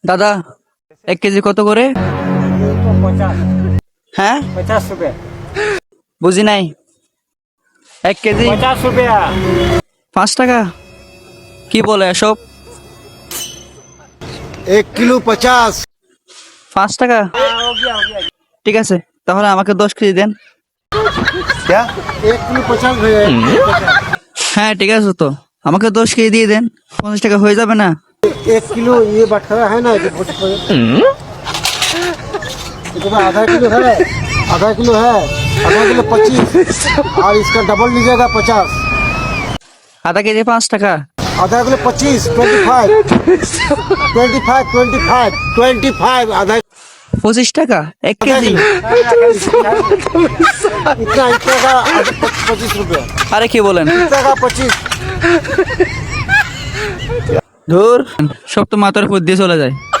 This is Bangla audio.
দাদা 1 কেজি কত করে? 50 হ্যাঁ 50 रुपया বুঝি নাই। 1 কেজি 50 रुपया 5 টাকা? কি বলে এসব? 1 किलो 50। 5 টাকা? हो गया ঠিক আছে, তাহলে আমাকে 10 কেজি দেন। क्या? 1 किलो 50 भैया। হ্যাঁ ঠিক আছে, তো আমাকে 10 কেজি দিয়ে দেন। 50 টাকা হয়ে যাবে না? 1 किलो ये बटखरा है ना, ये तो आधा किलो है, आधा किलो है, आधा किलो 25 और इसका डबल लीजिएगा 50। আধা কেজি 5 টাকা? आधा किलो 25 25 आधा 25 টাকা 1 কেজি? इतना इतना का 25 रुपया, আরে কি বলেন? इतना का 25। ধুর, সব তো মাথার উপর দিয়ে চলে যায়।